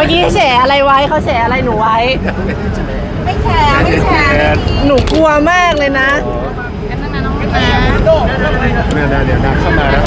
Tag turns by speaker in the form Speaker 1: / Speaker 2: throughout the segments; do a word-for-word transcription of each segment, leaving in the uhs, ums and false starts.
Speaker 1: มื่อกี้แฉอะไรไว้เขาแฉอะไรหนูไว้ไม่แฉไม่แฉหนูกลัวมากเลยนะ
Speaker 2: กันตั้งนานน้องนะเนี่ย
Speaker 3: เดี๋ยวเข้ามาแล้ว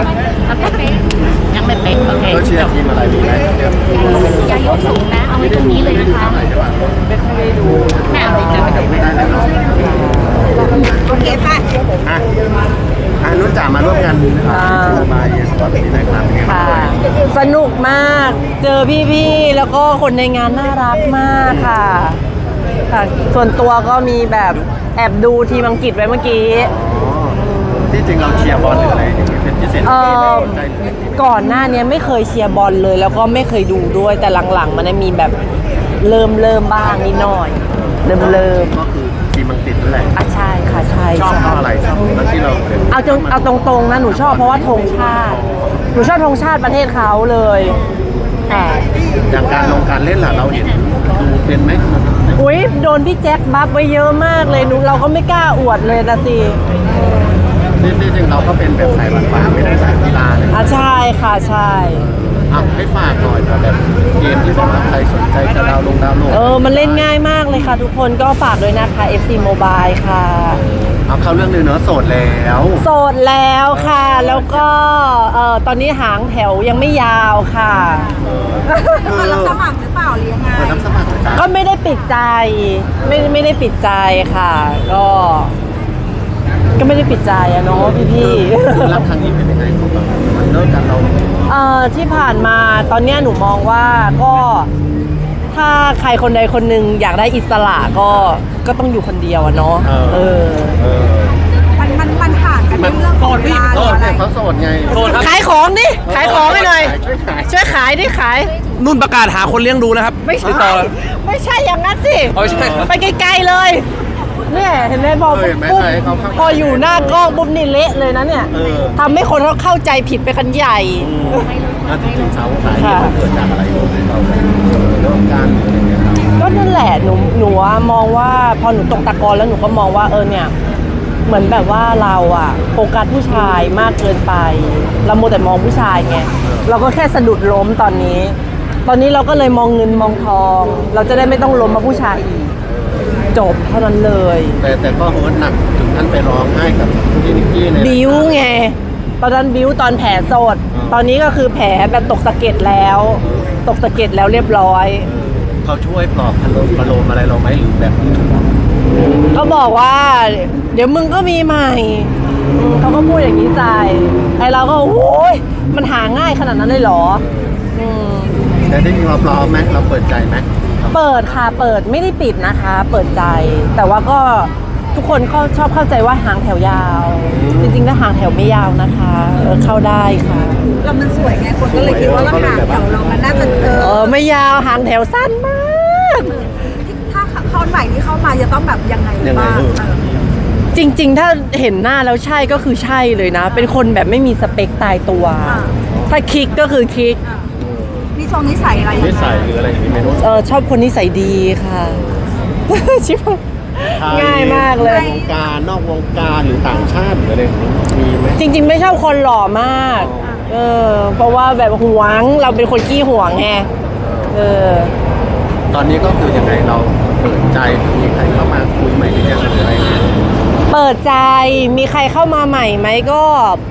Speaker 2: ยังไม่เป๊ะโอเค
Speaker 3: ก็เชียร์ทีมอะไรดีไหม
Speaker 2: อย่ายกสูงนะเอาไว้ตรงนี้เลยนะคะแม่เอาเลยจะไปดู
Speaker 3: ไม่ได้เลยเนาะ
Speaker 1: โอเคป่ะ
Speaker 3: อ่ะอ่ะนุ่นจ๋ามาร่วมกันบายสปอร์ตที่ไหนครับ
Speaker 1: ค่ะสนุกมากเจอพี่ๆแล้วก็คนในงานน่ารักมากค่ะค่ะส่วนตัวก็มีแบบแอบดูทีมอังกฤษไว้เมื่อกี้
Speaker 3: ที่จริงเราเชียร์บอลหรืออะไรอย่างเงี้ยเป็นพิเศษ
Speaker 1: ก่อนหน้านี้ไม่เคยเชียร์บอลเลยแล้วก็ไม่เคยดูด้วยแต่หลังๆมันมีแบบเริ่มเริ่มบ้างนิดหน่อยเริ่มเริ่ม
Speaker 3: ก็คือทีมอังกฤษนั่นแหละ
Speaker 1: อ่ะใช่ค่ะใช่
Speaker 3: ชอบเพราะอะไรชอบแล้วที่เรา
Speaker 1: เอาจงเอาตรงๆนะหนูชอบเพราะว่าธงชาติหนูชอบธงชาติประเทศเขาเลยแต่
Speaker 3: อย่างการลงการเล่นล่ะเราเห็นดูเป็นไหม
Speaker 1: อุ้ยโดนพี่แจ็คบัฟไว้เยอะมากเลยหนูเราก็ไม่กล้าอวดเลยนะสิ
Speaker 3: ที่จริงเราก็เป็นแบบสายหวานๆไม่ได้สายกีฬาเลย
Speaker 1: อ่ะใช่ค่ะใช่
Speaker 3: อ่ะให้ฝากหน่อยแบบเกมที่แบบว่าใครสนใจจะดาวลงดาวโหลด
Speaker 1: เออมันเล่นง่ายมากเลยค่ะทุกคนก็ฝากด้วยนะคะ เอฟ ซี Mobile ค่ะ
Speaker 3: เอาเข้าเรื่องเลยเนอะโสดแล้ว
Speaker 1: โสดแล้วค่ะแล้วก็เอ่อตอนนี้หางแถวยังไม่ยาวค่ะ
Speaker 2: คือรับสมัครหรือเปล่าหรือยังไง
Speaker 3: รับสมัคร
Speaker 1: ก็ไม่ได้ปิดใจไม่ไม่ได้ปิดใจค่ะก็ก็ไม่ได้ปิดใจอะเนาะพี่พี่
Speaker 3: รับครั้งนี้เป็นยังไงของเรามันเลิกกันเรา
Speaker 1: เอ่อที่ผ่านมาตอนนี้หนูมองว่าก็ถ้าใครคนใดคนหนึ่งอยากได้อิสระก็ก็ต้องอยู่คนเดียวอะเนาะเออ
Speaker 2: มันมันมันผ่านกันเรื่องของเวลาอะไร
Speaker 3: เขาโสดไง
Speaker 1: ขายของดิขายของให้หน่อยช่วยขายดิขาย
Speaker 4: นุ่นประกาศหาคนเลี้ยงดูนะครับ
Speaker 1: ไม่ใช่ไม่ใช่อย่างนั้นสิไปไกลๆเลยเนี่ยเห็นไหมพอปุ๊บพออยู่หน้ากล้องปุ๊บนี่เละเลยนะเนี่ยทำให้คนเขาเข้าใจผิดไปกันใหญ่
Speaker 3: แล้วจริงๆสาวสายเกิดจากอะไรเราเรื่องการอะไรเงี้ย
Speaker 1: ก็นั่นแหละหนูหนูมองว่าพอหนูตกตะกอนแล้วหนูก็มองว่าเออเนี่ยเหมือนแบบว่าเราอะโฟกัสผู้ชายมากเกินไปเราโมแต่มองผู้ชายไงเราก็แค่สะดุดล้มตอนนี้ตอนนี้เราก็เลยมองเงินมองทองเราจะได้ไม่ต้องล้มมาผู้ชายอีกจบเท่านั้นเลย
Speaker 3: แต่แต่ก็โหดหนักถึงท่านไปร้องไห้กับพี่นิกกี้เนี่ย
Speaker 1: บิ้วไงตอนนั้นบิ้วตอนแผลสดตอนนี้ก็คือแผลแบบตกสะเก็ดแล้วตกสะเก็ดแล้วเรียบร้อย
Speaker 3: เขาช่วยปลอบพะโลมพะโลมอะไรเราไหมหรือแบบ
Speaker 1: เขาบอกว่าเดี๋ยวมึงก็มีใหม่เขาก็พูดอย่างนี้ใจไอเราก็โอ้ยมันหาง่ายขนาดนั้นเลยเหรอ
Speaker 3: แต่ที่จริงเราพร้อมไหมเราเปิดใจไหม
Speaker 1: เปิดค่ะเปิดไม่ได้ปิดนะคะเปิดใจแต่ว่าก็ทุกคนก็ชอบเข้าใจว่าหางแถวยาวจริงๆแล้วหางแถวไม่ยาวนะคะเข้าได้ค่ะ
Speaker 2: เรามันสวยไงคนก็เลยคิดว่าหางแถวเรามันน่าจะเอ
Speaker 1: อไม่ยาวหางแถวสั้นมาก
Speaker 2: ถ้าเขาใหม่ที่เข้ามาจะต้องแบบยังไงบ้าง
Speaker 1: จริงๆถ้าเห็นหน้าแล้วใช่ก็คือใช่เลยนะเป็นคนแบบไม่มีสเปคตายตัวถ้าคลิกก็คือคลิก
Speaker 2: นิสัยนิสัยอะไร
Speaker 3: นิสัยหรืออะไรอย่างนี้เมนู
Speaker 1: เออชอบคนนิสัยดีค่ะชิบง่ายมากเลยว
Speaker 3: งการนอกวงการหรือต่างชาติหรืออะไรมีไหม
Speaker 1: จริงๆไม่ชอบคนหล่อมากเออเพราะว่าแบบหวงเราเป็นคนขี้หวงไงเออ
Speaker 3: ตอนนี้ก็คือยังไงเราเปิดใจมีใครเข้ามาคุยใหม่หรือยังหรืออะไร
Speaker 1: เปิดใจมีใครเข้ามาใหม่ไหมก็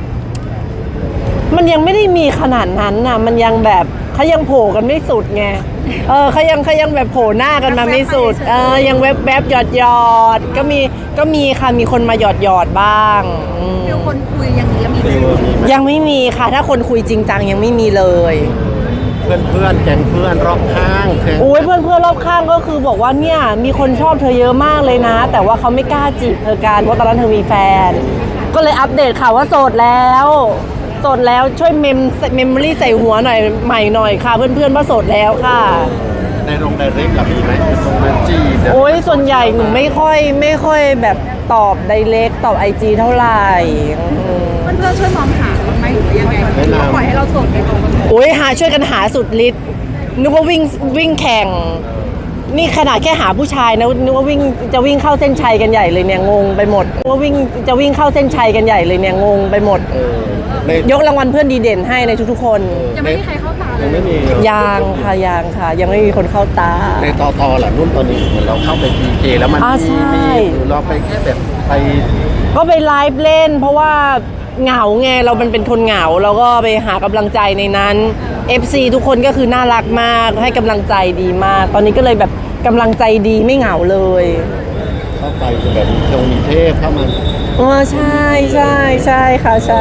Speaker 1: มันยังไม่ได้มีขนาดนั้นน่ะมันยังแบบเขายังโผล่กันไม่สุดไงเออเขายังเขายังแบบโผล่หน้ากันมาไม่สุดเออยังแวบแวบหยอดหยอดก็มีก็มีค่ะมีคนมาหยอดหยอดบ้าง
Speaker 2: มีคนคุยอย่างนี้มี
Speaker 1: ยังไม่มีค่ะถ้าคนคุยจริงจังยังไม่มีเลย
Speaker 3: เพื่อนเพื่อนแก๊งเพื่อนรอบข้าง
Speaker 1: โอ้ยเพื่อนเพื่อนรอบข้างก็คือบอกว่าเนี่ยมีคนชอบเธอเยอะมากเลยนะแต่ว่าเขาไม่กล้าจีบเธอกันเพราะตอนนั้นเธอมีแฟนก็เลยอัปเดตค่ะว่าโสดแล้วโสดแล้วช่วยเมมเมมโมรี่ใส่หัวหน่อยใหม่หน่อยค่ะเพื่อนๆว่าโสดแล้วค่ะ
Speaker 3: ในโรงไดเรกกับมีไหมโรงไดจี
Speaker 1: โอ้ยส่วนใหญ่หนูไม่ค่อยไม่ค่อยแบบตอบไดเรกตอบไอจีเท่าไหร่
Speaker 2: เพื่อนๆช่วยมองหาไหมหรือยังไงปล่อยให้เราโสดไปก่อน
Speaker 1: โอ้ยหาช่วยกันหาสุดฤทธิ์นึกว่าวิ่งวิ่งแข่งนี่ขนาดแค่หาผู้ชายนะนึกว่าวิ่งจะวิ่งเข้าเส้นชัยกันใหญ่เลยเนี่ยงงไปหมดนึกว่าวิ่งจะวิ่งเข้าเส้นชัยกันใหญ่เลยเนี่ยงงไปหมด
Speaker 3: เออใน
Speaker 1: ยกรางวัลเพื่อนดีเด่นให้ในทุกๆคน
Speaker 2: ยังไม่มีใครเข้าตาเล
Speaker 3: ยัง
Speaker 2: ย
Speaker 3: ไม่มี
Speaker 1: ยังค่ะยังค่ะ ยังไม่มีคนเข้าตา
Speaker 3: ในตอตอหล่ะนุ่นตอนนี้เหมือนเราเข้าไป พี เค แล้วมัน
Speaker 1: อ่า
Speaker 3: มี
Speaker 1: ใช่
Speaker 3: มีหรือเราไปแค่แบบไป
Speaker 1: ก็ไปไลฟ์เล่น เพราะว่าเหงาไงเรามันเป็นคนเหงาเราก็ไปหากำลังใจในนั้น เอฟ ซี ทุกคนก็คือน่ารักมากให้กำลังใจดีมาก ตอนนี้ก็เลยแบบกำลังใจดีไม่เหงาเลย
Speaker 3: เข้าไปแบบมีทงมีเทพเข้ามา
Speaker 1: อ๋อใช่ใช่ใช่ค่ะใช่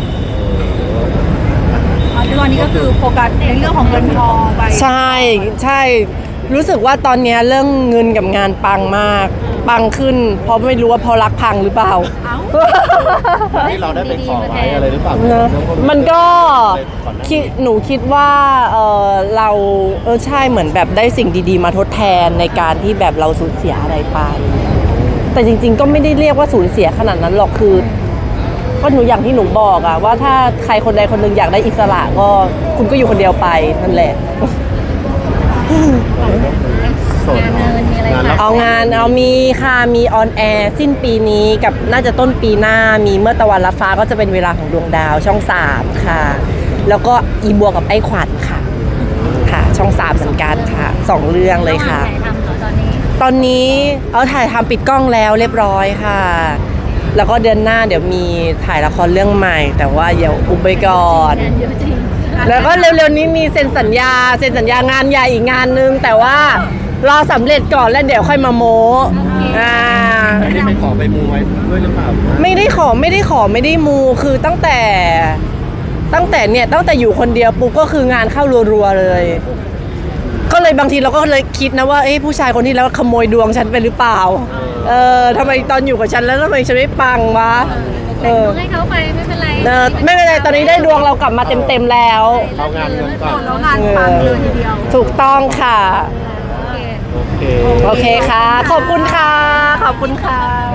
Speaker 2: อ๋อตอนนี้ก็คือโฟกัสในเรื่องของเงินทองไป
Speaker 1: ใช่ใช่รู้สึกว่าตอนเนี้ยเรื่องเงินกับงานปังมาก ปังขึ้น เพราะไม่รู้ว่าเพอรักพังหรือเปล่า
Speaker 2: เอ้า
Speaker 3: ที่เราได้ไปขอไว้อะไรหรือเปล่า
Speaker 1: เนอะมันก็
Speaker 3: ก่อนหน้า
Speaker 1: คิดหนูคิดว่าเออเราเออใช่เหมือนแบบได้สิ่งดีๆ มาทดแทนในการที่แบบเราสูญเสียอะไรไป แต่จริงๆก็ไม่ได้เรียกว่าสูญเสียขนาดนั้นหรอกคือก็หนูอย่างที่หนูบอกอะว่าถ้าใครคนใดคนหนึ่งอยากได้อิสระก็คุณก็อยู่คนเดียวไปนั่นแหละ
Speaker 3: โสด
Speaker 2: งานเงินมีอะไร
Speaker 3: งานรับ
Speaker 1: เอางานเอามีค่ะมีออนแอร์สิ้นปีนี้กับน่าจะต้นปีหน้ามีเมื่อตะวันรับฟ้าก็จะเป็นเวลาของดวงดาวช่องสามค่ะ แล้วก็อีบัวกับไอ้ขวัญค่ะค่ะ ช่องสามเหมือนกันค่ะสองเรื่องเลยค่ะ
Speaker 2: ถ่ายทำเหรอตอนนี้
Speaker 1: ตอนนี้เอาถ่ายทำปิดกล้องแล้วเรียบร้อยค่ะ แล้วก็เดือนหน้าเดี๋ยวมีถ่ายละครเรื่องใหม่ แต่ว่าเดี๋ยวอุบไปก่อน
Speaker 2: งานเยอะจริง
Speaker 1: แล้วก็เร็วๆนี้มีเซ็นสัญญาเซ็นสัญญางานใหญ่อีกงานนึง แต่ว่ารอสำเร็จก่อนแล้วเดี๋ยวค่อยมาโม้อ่า
Speaker 3: อันนี้ไปขอไปมูไว้ด้วยหรือเปล่า
Speaker 1: ไม่ได้ขอไม่ได้ขอไม่ได้มูคือตั้งแต่ ตั้งแต่เนี่ยตั้งแต่อยู่คนเดียวปุ๊บก็คืองานเข้ารัวๆเลย ก็เลยบางทีเราก็เลยคิดนะว่าเอ้ผู้ชายคนที่แล้วขโมยดวงฉันไปหรือเปล่า เออทำไมตอนอยู่กับฉันแล้วทำไมฉันไม่ปังวะเอ
Speaker 2: แต่ง
Speaker 1: อ
Speaker 2: ดวงให้เขาไปไม่เป็นไร
Speaker 1: เออไม่เป็นไรตอนนี้ได้ดวงเรากลับมาเต็มๆแล้ว
Speaker 3: เอางานเงินก่อน
Speaker 2: แล้วงานปังเลยทีเดียว
Speaker 1: ถูกต้องค่ะ
Speaker 2: โอเค
Speaker 3: โอเค
Speaker 1: โอเคค่ะ ขอบคุณค่ะ ขอบคุณค่ะ